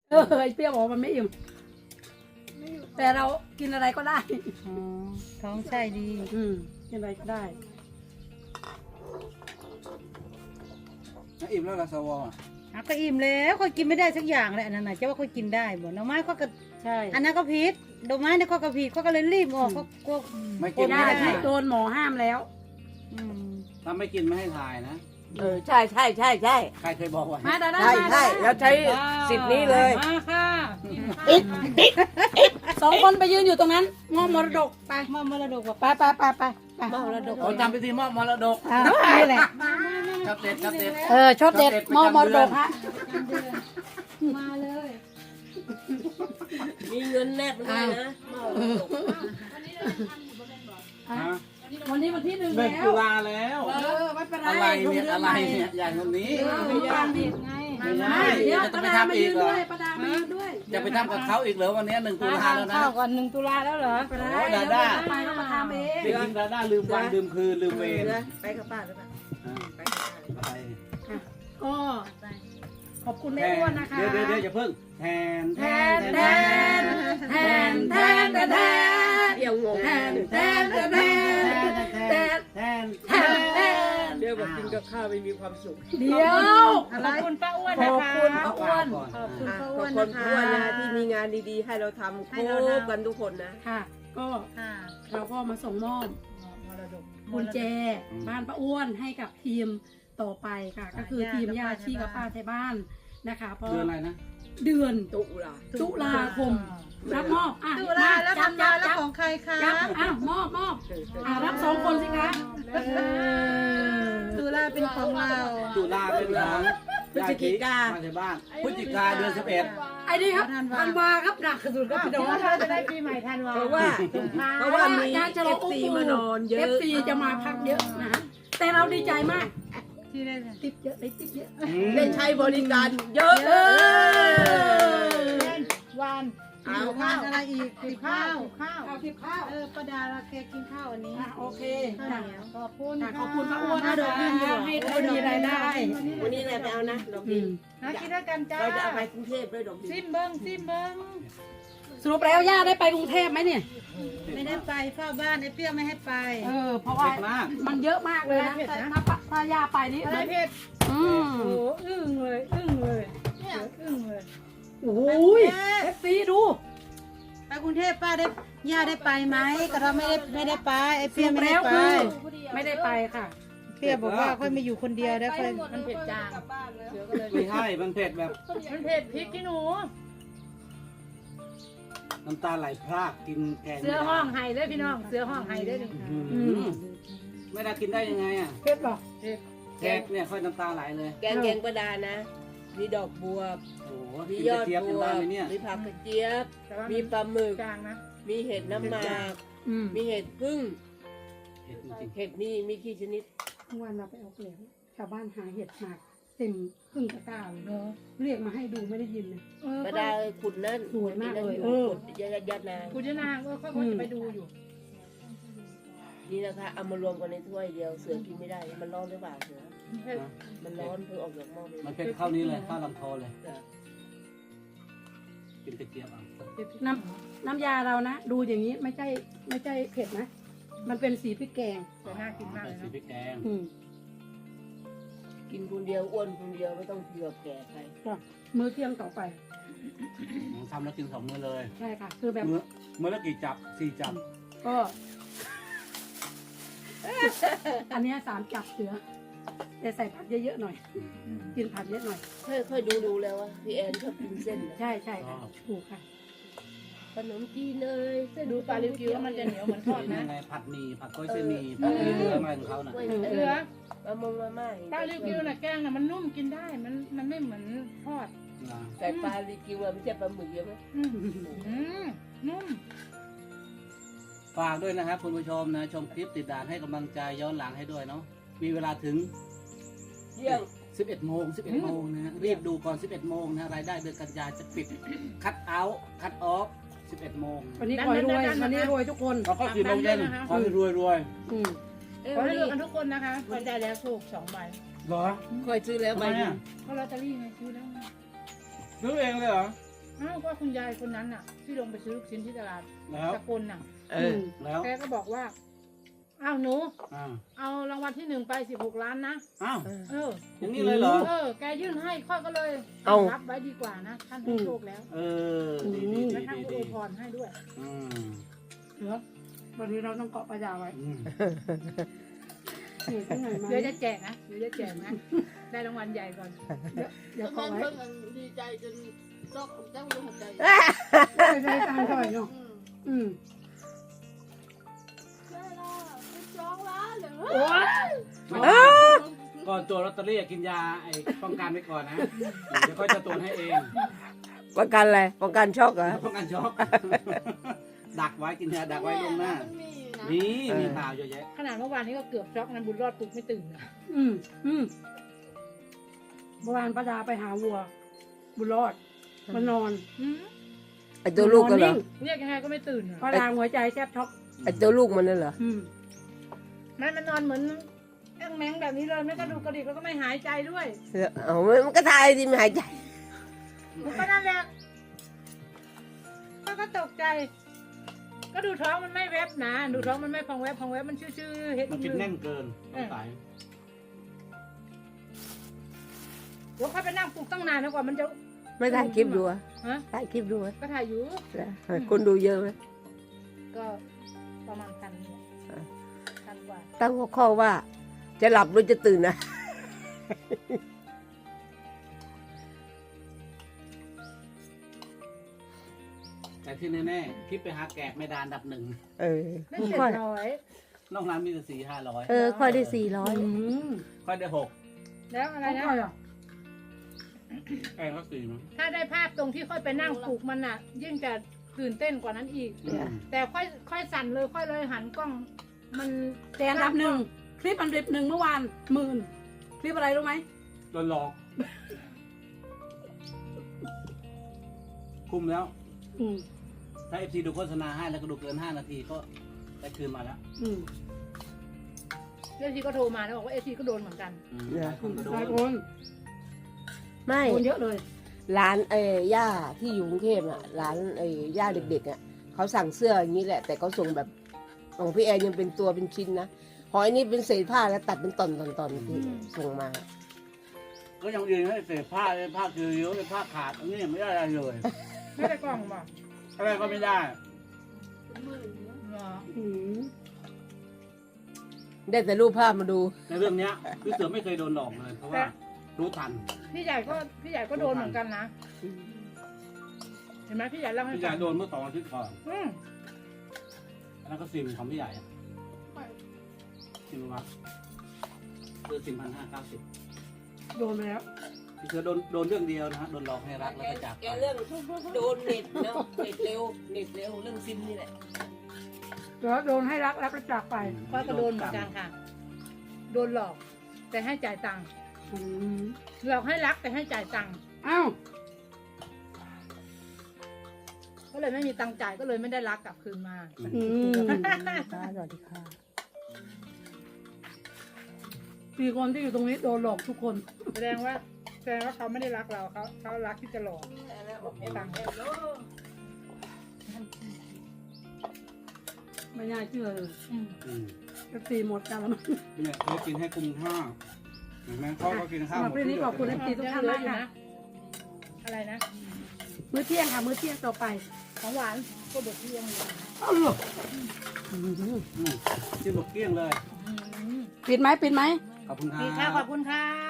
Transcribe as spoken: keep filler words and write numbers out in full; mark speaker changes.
Speaker 1: เออไอเปรี้ยวบอกมันไม่อิ่มแต่เรากินอะไรก็ได้
Speaker 2: อ๋อท้องไส้ดี
Speaker 1: อืมกินอะไรก็ได้
Speaker 3: อิ่มแล้วละสวอ่ะ
Speaker 2: อ่ะก็อิ่มแล้วค่อยกินไม่ได้สักอย่างเลยอันนั้นน่ะจะว่าค่อยกินได้บ่หน่อไม้ก็กระ
Speaker 1: ใช่
Speaker 2: อันนั้นก็ผิดดอกไม้เนี่ยก็กระผิดก็ก็เลยรีบออกก็ก็
Speaker 3: ไม่
Speaker 1: กิ
Speaker 3: กิ
Speaker 1: น
Speaker 3: น
Speaker 1: ได้
Speaker 3: ไม่ให้
Speaker 1: ไม่
Speaker 3: ถ่าย
Speaker 1: โดนหมอห้ามแล้ว
Speaker 2: อืม
Speaker 3: ถ้าไม่กินไม่ให้ถ่ายนะ
Speaker 4: เออใช่ใช่ใช่ใช่
Speaker 3: ใครเคยบอกไว้
Speaker 1: มาดาด้า
Speaker 4: ใช่
Speaker 1: มา
Speaker 4: ใช่แล้วใช้สิทธิ์นี้เลย
Speaker 2: มาค่ะ
Speaker 1: สองคนไปยืนอยู่ตรงนั้นมอบมรดกไป
Speaker 2: มามรดกว่า
Speaker 1: ไปไปไปไปไป
Speaker 4: มรดก
Speaker 3: โอ้จำพิธีมอบมรดก
Speaker 1: อ่านี่แหละ
Speaker 3: ชัดเด็ดชัดเด็ด
Speaker 1: เออชอบเด็ดมอบมรดกฮะ
Speaker 2: มาเลย
Speaker 4: มีเงินแนบด้วยนะมรดก
Speaker 3: ฮะ
Speaker 1: วันนี้วันที่หนึ่ง
Speaker 3: เบิก
Speaker 1: แล้
Speaker 3: ตุ
Speaker 1: ว
Speaker 3: ลาแล้ว
Speaker 1: เออไม่เป็นไร
Speaker 3: อะไร
Speaker 1: ลง
Speaker 3: เนี่ย
Speaker 1: ดื
Speaker 3: อะไร
Speaker 1: ใหม่
Speaker 3: เนี่ยอย่างคนนี้
Speaker 1: เออมีการผิดไง
Speaker 3: ไม่ใช่
Speaker 1: ไม่เดี๋ยว
Speaker 3: จะ
Speaker 1: ป้า
Speaker 3: ไป
Speaker 1: ดา
Speaker 3: ทำ
Speaker 1: มา
Speaker 3: อี
Speaker 1: ยื
Speaker 3: ก
Speaker 1: น
Speaker 3: เหรอ
Speaker 1: ด้วยป้าดามายืนด้วย
Speaker 3: จะไปทำกับเขาอีกเหรอวันนี้หนึ่งตุลาแล้วนะ
Speaker 2: ข้าวก่อนหนึ่งตุลาแล้วเหรอ
Speaker 1: ไปได้
Speaker 3: โอ้ย
Speaker 1: เดี๋ยว
Speaker 3: ดาด้า
Speaker 1: ไปก็มาทำเอง
Speaker 3: เด็กหญิงดาด้าลืมวันลืมคืนลืมเวร
Speaker 4: นะไปกับป้าหรือเปล่า
Speaker 3: อ่า
Speaker 4: ไปกับป้าหรือเปล่า
Speaker 3: ไป
Speaker 1: ก็ขอบคุณแม่
Speaker 3: แท
Speaker 1: อ้วนนะคะ
Speaker 3: เดี๋ยวเดี๋ยวเดี๋ยวอย่าเพิ่งแทน
Speaker 1: แทนแทนแทนแทนแทนแทน
Speaker 4: เดี๋ยวงง
Speaker 1: แทนแทนแทนแทนแทน
Speaker 3: แทน
Speaker 1: แทนแทน
Speaker 4: เดี๋ยวบอกกินกับข้าวไม่มีความสุข
Speaker 1: เดี๋ยว
Speaker 2: ขอบคุณป้าอ้วน
Speaker 1: ข
Speaker 2: นะ
Speaker 1: อบ
Speaker 2: คะ
Speaker 1: คุณป้าอ้วน
Speaker 2: ขอบคุณ
Speaker 4: อ่ะ
Speaker 2: ป้า
Speaker 4: ข
Speaker 2: อ้
Speaker 4: อ
Speaker 2: ว
Speaker 4: บ
Speaker 2: น
Speaker 4: คุ
Speaker 2: นะ
Speaker 4: ณ
Speaker 2: คะ
Speaker 4: อ้วนนะที่มีงานดีๆ ให้เราทำ
Speaker 2: ให้
Speaker 4: โค
Speaker 2: เราทำ
Speaker 4: บกันทุกคนนะ
Speaker 1: ค่ะ ก็
Speaker 2: ค่ะ
Speaker 1: เราก็มาส่งมอบ
Speaker 2: มรดก
Speaker 1: กุญแจบ้านป้าอ้วนให้กับทีมต่อไปค่ะ ก็คือทีมญาติชีกับป้าไทยบ้านนะคะเพราะ
Speaker 3: เดือนอะไรนะ
Speaker 1: เดือน
Speaker 4: ตุลา
Speaker 1: ตุลาคมรับมอบอ่ะ
Speaker 2: ตุลาแล้ว
Speaker 1: จับ
Speaker 2: ทำ
Speaker 1: จั
Speaker 2: มา
Speaker 1: บ
Speaker 2: แล้ว
Speaker 1: จับ
Speaker 2: ของใครคะ
Speaker 1: จับอ้าวมอบมอบอ่ะรับสองคนสิคะเออ
Speaker 2: ตุลาเป็นของเรา
Speaker 3: ตุลาเป็นร้านมาจากบ้านพฤศจิกาเดือนสิบเอ็ด
Speaker 1: ไอ้นี่ครับธันวาครับหนักสุดก็พี่น้อง
Speaker 2: เราจะได้ปีใหม่ทันวา
Speaker 4: เพราะว่าเพราะว่ามี
Speaker 1: การฉล
Speaker 4: เอ
Speaker 1: อง
Speaker 4: ฟ
Speaker 1: อง
Speaker 4: ซี
Speaker 1: ค์ปู่
Speaker 4: มานอนเย
Speaker 1: เอ
Speaker 4: อะ
Speaker 1: ฟซีจะมาพักเยอะนะแต่เราดีใจมาก
Speaker 2: ที่ได้
Speaker 1: ติดเยอะได้ติดเยอะ
Speaker 4: ได้ใช้บริการเยอะ
Speaker 1: เออ
Speaker 2: วาน
Speaker 4: เอา
Speaker 2: วานอะไรอีกกินข้าวข้าว
Speaker 1: เอาทิพข้าว
Speaker 2: เออป้าดาเราแกกินข้าวอันนี้
Speaker 1: อ่ะโอเค
Speaker 2: ข้าว
Speaker 1: อ่ะ
Speaker 2: เหนียวขอบคุณ
Speaker 1: อ่ะขอบคุณป้าอ้วนนะคะให้เขามีรายได้
Speaker 4: วันนี้อะไรไปเอานะดอก
Speaker 1: อื
Speaker 4: ดิน
Speaker 1: ม
Speaker 2: นะกินด้วยกันจ้า
Speaker 4: เราจะเอาไปกรุงเทพด้วยดอกดิน
Speaker 2: ซิมเบิ้งซิมเบิ้ง
Speaker 1: สรุปแล้วย่าได้ไปกรุงเทพไหมเนี่ย
Speaker 2: ไม่ได้ไปเฝ้าบ้านไอ้เปรี้ยวไม่ให้ไป
Speaker 1: เออ เพราะว่า
Speaker 3: เด็กมาก
Speaker 1: มันเยอะมากเลยนะแต่ถ้าปะถ้าย่าไปนี่
Speaker 2: อะไรเพชร
Speaker 1: อืม
Speaker 2: โอ้อึ้งเลยอึ้งเลยเนี่ยอึ้งเลย
Speaker 1: โอ้ยเอฟซีดู
Speaker 2: ไปกรุงเทพป้าได้ย่าได้ไปไหมก็เราไม่ได้ไม่ได้ไปไอ้เปรี้ยวไม่ได้
Speaker 1: แล้ว
Speaker 2: ไป
Speaker 1: คือไม่ได้ไปค่ะ
Speaker 2: เปรี้ยวบอกว่าค่อยมาอยู่คนเดียวได้ค่อยมันเผ็ดจาง
Speaker 3: ไม่ใช่มันเผ็ดแบบ
Speaker 2: มันเผ็ดพริกขี้หนู
Speaker 3: น้ำตาไหลพรากกินแกง
Speaker 2: เสือห้องไห้เลยพี่น้องเสือห้องไห้เลย
Speaker 3: อืมไม่ได้กินได้ยังไงอ่ะ
Speaker 1: เพชรบอก
Speaker 3: แกงเนี่ยค่อยน้ำตาไหลเลย
Speaker 4: แกงแกงประดานะ มีดอกบัว
Speaker 3: โอ้โห
Speaker 4: มี
Speaker 3: กิน
Speaker 4: ย
Speaker 3: ก
Speaker 4: อ
Speaker 3: ระ
Speaker 4: ด
Speaker 3: เจี๊ยบ
Speaker 4: บั
Speaker 3: กัน
Speaker 4: ว
Speaker 3: ได้ไหมเนี่ย
Speaker 4: มีผักกระเจี๊ยบ มีปลาหมึก
Speaker 2: จางนะ
Speaker 4: มีเห็ดน้ำหมาก
Speaker 1: อืม
Speaker 4: มีเห็ดพึ่ง
Speaker 3: เผ็ดจริง
Speaker 4: เห็ดนี่มีกี่ชนิด
Speaker 1: เมื่อวานเราไปเอาเกลียวชาวบ้านหาเห็ดหมากเต็มครึ่งตะกร้าเลยเรียกมาให้ดูไม่ได้ยินเลย
Speaker 4: ประดาขุดนั่น
Speaker 1: สวยมากเลย
Speaker 4: ขุด
Speaker 1: เออ
Speaker 4: ขุดยัดยัดๆๆนาง
Speaker 2: คุณจะนางก็ค่อยจะไปดูอยู่
Speaker 4: นี่นะคะเอามารวมกันในถ้วยเดียวเสือกินไม่ได้ มันร้อนหรือเปล่าเสือ
Speaker 3: ๆนะ
Speaker 4: มันร้อนเพิ่งออกจากหม้อเลย
Speaker 3: มันเป็นข้าวนี้เลยข้าวลำโพเลย
Speaker 4: จ้ะ
Speaker 3: กินกระเจี๊ยบเอา
Speaker 1: น้ำน้ำยาเรานะ ดูอย่างนี้ไม่ใช่ไม่ใช่เผ็ดนะ มันเป็นสีพริกแกง
Speaker 2: แต่น่ากินมากเลย
Speaker 3: ใส่
Speaker 2: นะ
Speaker 3: พริกแกง
Speaker 1: อืม
Speaker 4: กินคนเดียวอ้วนคนเดียวไม่ต้องเผื่อแก่ใคร
Speaker 1: ก็มื้อเที่ยงต่อไป
Speaker 3: ทำแล้วกินสองมื้อเลย
Speaker 1: ใช่ค่ะ คือแบบ
Speaker 3: มื้อมื้อละกี่จับสี่จับ
Speaker 1: ก็ อันเนี้ยสามจับเสือแต่ใส่ผักเยอะๆหน่อย กินผักเยอะหน่อย
Speaker 4: ค่อยค่อยดูดูแล้วว่าพี่แอนชอบกินเส้นนะ
Speaker 1: ใช่ใช่ค่ะถูกค่ะ
Speaker 4: ขนมจีนเลยเส้น
Speaker 2: ดูปลาลิวกิ้วมันจะเหนียวเหมือนทอด
Speaker 3: เป็น
Speaker 2: นะ
Speaker 3: ยังไงผัดหมี่ผัดก้อยเส้นหมี่ผัดหมี่เนื้ออะไรของเขาน่ะ
Speaker 4: กล้วย
Speaker 2: เสือ
Speaker 4: มะมงมาม่า
Speaker 2: ปลาลิวกิ้วน่ะแกงน่ะมันนุ่มกินได้ มันมันไม่เหมือนทอด
Speaker 3: นะ
Speaker 4: แต่ปลาลิกิวอะไม่ใช่ปลาหมึกเยอะไหม
Speaker 2: อืมอืมนุ่ม
Speaker 3: ฝากด้วยนะครับคุณผู้ชมนะ ชมคลิปติดดานให้กำลังใจย้อนหลังให้ด้วยเนาะมีเวลาถึง
Speaker 4: เที่ยง
Speaker 3: สิบเอ็ดโมงสิบเอ็ดโมงนะฮะรีบดูก่อนสิบเอ็ดโมงนะรายได้เดือนกันยาจะปิดคัดเอาท์คัดออฟสิบเอ็ดโมง
Speaker 1: วันนี้ขอให้รวยวันนี้รวยทุกคน
Speaker 3: เราก็สี่โมงเย็นขอให้รวยรวย
Speaker 1: อืม
Speaker 4: เอ้ย
Speaker 2: ขอ
Speaker 4: วัน
Speaker 2: ให้
Speaker 4: นี้
Speaker 2: เลือกกันทุกคนนะคะใครได้แล้วถูกสองใบ
Speaker 3: เหรอ
Speaker 4: คอยซื้อแล้ว
Speaker 3: ทำ
Speaker 4: ใบ
Speaker 3: ไม
Speaker 4: หนึ
Speaker 3: อ่ะ
Speaker 4: ง
Speaker 2: เพราะลอตเตอรี่ไงซื้อแล้วไง
Speaker 3: ซื้อเองเลยเหรอ
Speaker 2: ออ้าวก็คุณยายคนนั้นน่ะ ที่ลงไปซื้อลูกชิ้นที่ตลาด
Speaker 3: แล้ว
Speaker 2: สกลน่ะ
Speaker 4: เออ
Speaker 3: แล้ว
Speaker 2: แกก็บอกว่าอ้าวหนู
Speaker 3: อ่า
Speaker 2: เอารางวัลที่หนึ่งไปสิบหกล้านนะ
Speaker 3: อ้าว
Speaker 2: เออ
Speaker 3: อย่างนี้เลยเหรอ
Speaker 2: เออ แกยื่นให้ค่อยก็เลย
Speaker 4: เอา
Speaker 2: รับไว้ดีกว่านะ ท่านให้โชคแล้ว
Speaker 3: เออดีดี
Speaker 2: และ
Speaker 3: ดี
Speaker 2: ท่าน
Speaker 3: ดี
Speaker 2: ก็อ
Speaker 3: ดี
Speaker 2: วยพรให้ด้วย
Speaker 3: อืม
Speaker 1: เหรอวันนี้เราต้องเกาะปลาดาวไว้
Speaker 3: อืม
Speaker 1: เหนื่อยที่ไหนมา
Speaker 2: เดี๋ยวจะแจกนะ เดี๋ยวจะแจกนะ ได้รางวัลใหญ่ก่อน
Speaker 1: เดี๋ยว
Speaker 5: แล้
Speaker 1: เกาะ
Speaker 5: ว
Speaker 1: ไว้
Speaker 5: เพิ่งดีใจจนซอกเจ้าหัวใจ
Speaker 1: ได้ได้ตังค์ก่อนเนาะ
Speaker 5: อืม
Speaker 1: อืม
Speaker 5: ได้ละเป็นสองล้านเหรอ
Speaker 1: โอ้ย
Speaker 3: ก่อนตัวลอตเตอรี่กินยาไอ้ป้องกันไว้ก่อนนะเดี๋ยวค่อยจะตรวจให้เอง
Speaker 4: ประกันอะไรประกันช็อกเหรอ
Speaker 3: ป้องกันช็อก ดักไว้กินยาดักไว้ลวงหน้า
Speaker 5: มันมีนะ
Speaker 3: มี
Speaker 4: เออ
Speaker 3: มีข่าวเยอะแยะ
Speaker 2: ขนาดเมื่อวานนี้ก็เกือบช็อกนั้นบุญรอดปลุกไม่ตื่นนะ
Speaker 1: อืมอืมเมื่อวานป้าดาไปหาวัว บุญรอดมานอน
Speaker 2: อืม
Speaker 4: ไอตัวลูกกันเหรอ
Speaker 2: เรียกยังไงก็ไม่ตื่นอะ
Speaker 1: ป้าดาหัวใจแทบช็อก
Speaker 4: ไอตัวลูกมันนั่นเหรอ
Speaker 1: อืม
Speaker 2: มันมันนอนเหมือนแอ้งแมงแบบนี้เลยไม่กระดูกกระดิกแล้วก็ไม่หายใจด้วย
Speaker 4: เอามันก็ทายดิไม่หายใจ
Speaker 2: มันก็นั่นแหละก็ก็ตกใจ ก็ดูท้องมันไม่แวบนะดูท้องมันไม่พองแวบพองแวบมันชื่อๆเฮ็ด
Speaker 3: มันกินแน่นเกินต้องตาย
Speaker 2: เดี๋ยวเขาไปนั่งปลุกตั้งนานแล้วกว่ามันจะ
Speaker 4: ไม่ถ่ายคลิปดูอะ
Speaker 2: ฮะ
Speaker 4: ถ่ายคลิปดูอะ
Speaker 2: ก็ถ่ายอยู่
Speaker 4: คนดูเยอะไหม
Speaker 2: ก็ประมาณพันนี่แหละ
Speaker 4: อ่า
Speaker 2: พันกว่า
Speaker 4: ตั้งหัวข้อว่า จะหลับหรือจะตื่นนะ
Speaker 3: แต่ที่แน่ๆคลิปไปหาแกะไม่ดานดับหนึ่ง
Speaker 4: เออ
Speaker 2: ไม่เจ็ดร้อย
Speaker 3: นอกนั้นมีแต่สี่ห้าร้อย
Speaker 4: เออค่อยได้สี่ร้อย
Speaker 1: อืม
Speaker 3: ค่อยได้หก
Speaker 2: แล้วอะไร
Speaker 1: เขา
Speaker 2: นะ
Speaker 1: ค่อยอ่ะ
Speaker 3: แกงก็สี่มั้ง
Speaker 2: ถ้าได้ภาพตรงที่ค่อยไปนั่งปลุกมันอ่ะ ยิ่งจะตื่นเต้นกว่านั้นอีก
Speaker 3: อืม
Speaker 2: แต่ค่อยค่อยสั่นเลยค่อยเลยหันกล้อง มัน
Speaker 1: แต่อันดับหนึ่งคลิปอันดับหนึ่งเมื่อวานหมื่นคลิปอะไรรู้ไหม
Speaker 3: โดนหลอก คุ้มแล้ว
Speaker 1: อืม
Speaker 3: ถ้าเอฟซีดูโฆษณาให้แล้วก็ดูเกินห้านาทีก็ได้คืนมาแล้ว
Speaker 1: อืม
Speaker 2: เอฟซีก็โทรมาแล้วบอกว่าเอฟซีก็โดนเหมือนกัน
Speaker 3: อืมหลายคนก็โด
Speaker 1: หลาย
Speaker 3: น
Speaker 1: คน
Speaker 4: ไม่
Speaker 1: โดนเยอะเลย
Speaker 4: ร้านเอ้ย่าที่อยู่กรุงเทพอ่ะร้านเอ้ย่าเด็กๆอ่ะเขาสั่งเสื้ออย่างนี้แหละ แต่เขาส่งแบบของพี่แอนยังเป็นตัวเป็นชิ้นนะหอยนี่เป็นเศษผ้าแล้วตัดเป็นตอนตอนตอนที่ส่งมา
Speaker 3: ก็ยังยืนให้เศษผ้าเลยผ้าคือเยอะเลยผ้าขาดอันนี้ยังไม่ได้อะไรเลย
Speaker 2: ไม่ได้กล้องบอก
Speaker 3: อะไรก็ไม่ได้
Speaker 5: หมื่นเนอะ
Speaker 2: เหรอ
Speaker 1: อืม
Speaker 4: ได้แต่รูปภาพมาดู
Speaker 3: ในเรื่องเนี้ยพี่เสือไม่เคยโดนหลอกเลยเพราะว่ารู้ทัน
Speaker 2: พี่ใหญ่ก็พี่ใหญ่ก็โดนเหมือนกันนะเห็นไหมพี่ใหญ่เล่าให้
Speaker 3: พี่ให
Speaker 2: ฟั
Speaker 3: ญ่
Speaker 2: ง
Speaker 3: โดนเมื่อสองอาทิตย์ก่อน
Speaker 2: อืม
Speaker 3: อันนั้นก็ซิมของพี่ใหญ่อะ
Speaker 5: ไม่
Speaker 3: ซิมวัดคือซิมพันห้าเก้าสิบ
Speaker 1: โดนไปแล้ว
Speaker 3: พี่เสือโดนโดนเรื่องเดียวนะฮะโดนหลอกให้รักแล้วก็จาก
Speaker 4: แก
Speaker 3: ไป
Speaker 4: เรื่องโดนเน็ตเนาะเน็ตเร็วเน็ตเร็วเรื่องซิมนี่แหละ
Speaker 1: เดี๋ยวโดนให้รักแล้วก็จากไป
Speaker 2: ก็ก็โดนเหมือนกันค่ะ โดนหลอก แต่ให้จ่ายตังค์
Speaker 1: อืม
Speaker 2: หลอกให้รักแต่ให้จ่ายตังค์
Speaker 1: อ้าว
Speaker 2: ก็เลยไม่มีตังค์จ่ายก็เลยไม่ได้รักกลับคืนมา
Speaker 1: อืม
Speaker 4: ค่ะสวัสดีค่ะ
Speaker 1: สี่คนที่อยู่ตรงนี้โดนหลอกทุกคน
Speaker 2: แสดงว่าแสดงว่าเขาไม่ได้รักเราเขาเขารักที่จะหลอก
Speaker 5: แล้วเอ็ม
Speaker 2: ตังค์
Speaker 5: เอ็มโล
Speaker 1: ไม่น่าเชื่อเลย
Speaker 2: อืม
Speaker 3: อืม
Speaker 1: จะตีหมดกันแล้วมั้ง
Speaker 3: เนี่ยเขากินให้คุ้มค่าเห็นไหมเขาก็กินข้าว
Speaker 1: สำหรับคลิปนี้ขอบคุณ FC ทุกท่านมากค่ะ
Speaker 2: อะไรนะ
Speaker 1: มื้อเที่ยงค่ะ มื้อเที่ยงต่อไป
Speaker 2: ของหวานก็บดเที่ยงเลย
Speaker 1: อ้าวเหรออืม
Speaker 3: อืมกินหมดเกลี้ยงเลย
Speaker 2: อืม
Speaker 1: ปิดไหมปิดไหม
Speaker 3: ขอบคุณครั
Speaker 2: ดีค่ะ
Speaker 3: บ
Speaker 2: ขอบคุณค่ะ